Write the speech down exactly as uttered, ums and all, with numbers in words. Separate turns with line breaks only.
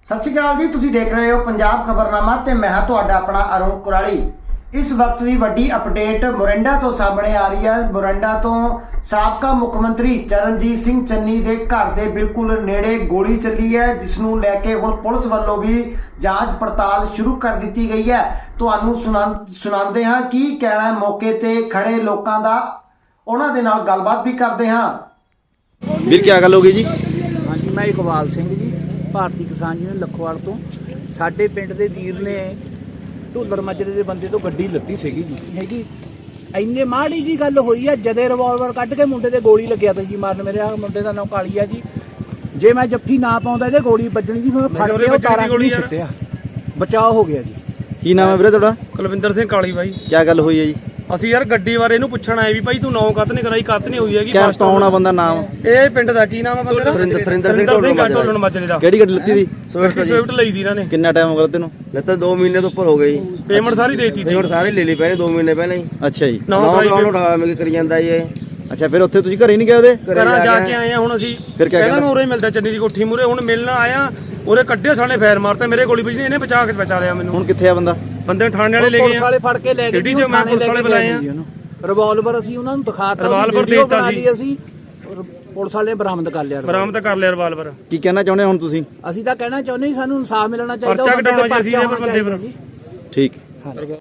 सत श्री अकाल जी, तुसीं देख रहे हो पंजाब खबरनामा ते मैं हां तुहाडा अपना अरुण कुराली। इस वक्त की वड्डी अपडेट मोरिंडा तो सामने आ रही है। मोरिंडा तो साबका मुख मंत्री चरणजीत सिंह चन्नी के घर के बिल्कुल नेड़े गोली चली है, जिसनूं लैके हुण पुलिस वालों भी जांच पड़ताल शुरू कर दी गई है। तुहानूं सुना सुणांदे हां की कहना है मौके ते खड़े लोकां दा, उन्हां दे नाल गलबात भी करदे हां।
ਵੀਰ क्या गल हो गई जी?
हाँ जी, मैं इकबाल सिंह जी, ਭਾਰਤੀ ਕਿਸਾਨ ਯੂਨੀਅਨ ਲਖਵਾਲ ਤੋਂ। ਸਾਡੇ ਪਿੰਡ ਦੇ ਵੀਰ ਨੇ ਢੋਲਰ ਮਾਜਰੇ ਦੇ ਬੰਦੇ ਤੋਂ ਗੱਡੀ ਲੱਤੀ ਸੀਗੀ ਜੀ ਹੈਗੀ। ਇੰਨੇ ਮਾੜੀ ਜੀ ਗੱਲ ਹੋਈ ਆ, ਜਦੇ ਰਿਵਾਲਵਰ ਕੱਢ ਕੇ ਮੁੰਡੇ ਤੇ ਗੋਲੀ ਲੱਗਿਆ ਤਾ ਜੀ ਮਾਰਨ। ਮੇਰੇ ਆ ਮੁੰਡੇ ਦਾ ਨਾਮ ਕਾਲੀ ਆ ਜੀ। ਜੇ ਮੈਂ ਜੱਫੀ ਨਾ ਪਾਉਂਦਾ ਇਹਦੇ ਗੋਲੀ ਵੱਜਣੀ ਜੀ, ਮੈਂ ਫੜ ਕੇ ਉਹ ਤਾਰਾਂ ਗੋਲੀ ਸਿੱਟਿਆ, ਬਚਾਅ ਹੋ ਗਿਆ ਜੀ।
ਕੀ ਨਾਮ ਹੈ ਵੀਰੇ ਤੁਹਾਡਾ?
ਕੁਲਵਿੰਦਰ ਸਿੰਘ ਕਾਲੀ ਬਾਈ।
ਕੀ ਗੱਲ ਹੋਈ ਹੈ ਜੀ?
ਅਸੀਂ ਯਾਰ ਗੱਡੀ ਬਾਰੇ ਇਹਨੂੰ ਪੁੱਛਣ ਆਏ ਵੀ ਭਾਈ ਤੂੰ ਨੌ ਕੱਤ ਨਹੀਂ ਕਰਾਈ, ਕੱਤ ਨਹੀਂ ਹੋਈ ਹੈਗੀ।
ਕਿਆ ਕੌਣ ਆ ਬੰਦਾ? ਨਾਮ
ਇਹ ਪਿੰਡ ਦਾ ਕੀ ਨਾਮ ਆ ਬੰਦੇ ਦਾ?
ਸਰਿੰਦਰ ਸਰਿੰਦਰ ਸਿੰਘ
ਢੋਲਣ ਮਾਜਰੇ ਦਾ।
ਕਿਹੜੀ ਗੱਡੀ ਲੱਤੀ ਸੀ?
ਸਵਿਫਟ ਲਈ ਦੀ ਇਹਨਾਂ ਨੇ।
ਕਿੰਨਾ ਟਾਈਮ ਹੋ ਗਿਆ ਤੈਨੂੰ?
ਲੱਤਾ ਦੋ ਮਹੀਨੇ ਤੋਂ ਉੱਪਰ ਹੋ ਗਏ ਜੀ।
ਪੇਮੈਂਟ ਸਾਰੀ ਦੇਤੀ ਸੀ।
ਪੇਮੈਂਟ ਸਾਰੇ ਲੈ ਲਈ ਪਹਿਲੇ ਦੋ ਮਹੀਨੇ ਪਹਿਲਾਂ ਹੀ।
ਅੱਛਾ ਜੀ।
ਨੌ
ਨੌ
ਪ੍ਰਾਈਵੇਟ
ਕਰਾਉਣ ਉਠਾ ਮੈਂ ਕਰੀ ਜਾਂਦਾ ਜੀ ਇਹ।
ਅੱਛਾ, ਫਿਰ ਉੱਥੇ ਤੁਸੀਂ ਘਰੇ ਨਹੀਂ ਗਏ ਉਹਦੇ?
ਘਰਾਂ ਜਾ ਕੇ ਆਏ ਆ ਹੁਣ ਅਸੀਂ।
ਫਿਰ ਕਿਆ
ਕਹਿੰਦਾ ਉਰੇ ਮਿਲਦਾ ਚੰਨੀ ਦੀ ਕੋਠੀ ਮੂਰੇ। ਹੁਣ ਮਿਲਣ ਆਇਆ, ਉਰੇ ਕੱਢੇ ਸਾਲੇ ਫੈਰ ਮਾਰਤਾ, ਮੇਰੇ ਗੋਲੀ ਵੱਜੀ, ਇਹਨੇ ਬਚਾ ਕੇ ਬਚਾ ਲਿਆ ਮੈਨੂੰ।
ਹੁਣ ਕਿੱਥੇ ਆ ਬੰਦਾ?
ਬੰਦੇ ਥਾਣੇ ਵਾਲੇ ਲੈ ਗਏ
ਪੁਲਿਸ
ਆ।
ਵਾਲੇ ਫੜ ਕੇ ਲੈ ਗਏ
ਸਿਟੀ ਚ ਮੈਂ ਪੁਲਿਸ ਵਾਲੇ ਬੁਲਾਏ ਆ।
ਰਿਵਾਲਵਰ ਅਸੀਂ ਉਹਨਾਂ ਨੂੰ ਦਿਖਾਤਾ,
ਰਿਵਾਲਵਰ
ਵੀਡੀਓ
ਦੇਤਾ
ਬਣਾ
ਸੀ।
ਲਈ ਅਸੀਂ, ਪੁਲਿਸ ਵਾਲੇ ਬਰਾਮਦ ਕਰ ਲਿਆ।
ਬਰਾਮਦ ਕਰ ਲਿਆ ਰਿਵਾਲਵਰ।
ਕੀ ਕਹਿਣਾ ਚਾਹੁੰਦੇ ਹੁਣ ਤੁਸੀਂ?
ਅਸੀਂ ਤਾਂ ਕਹਿਣਾ ਚਾਹੁੰਦੇ ਸਾਨੂੰ ਇਨਸਾਫ ਮਿਲਣਾ ਚਾਹੀਦਾ।
ਪਰਚਾ
ਉਹ ਬੰਦੇ
ਕਟਾਉਣਾ
ਤੇ
ਜੀ ਅਸੀਂ
ਪਰਚਾ
ਇਹ ਬੰਦੇ
ਹੋਣਾ
ਪਰ।
ਚਾਹੀਦਾ ਜੀ।
ਠੀਕ।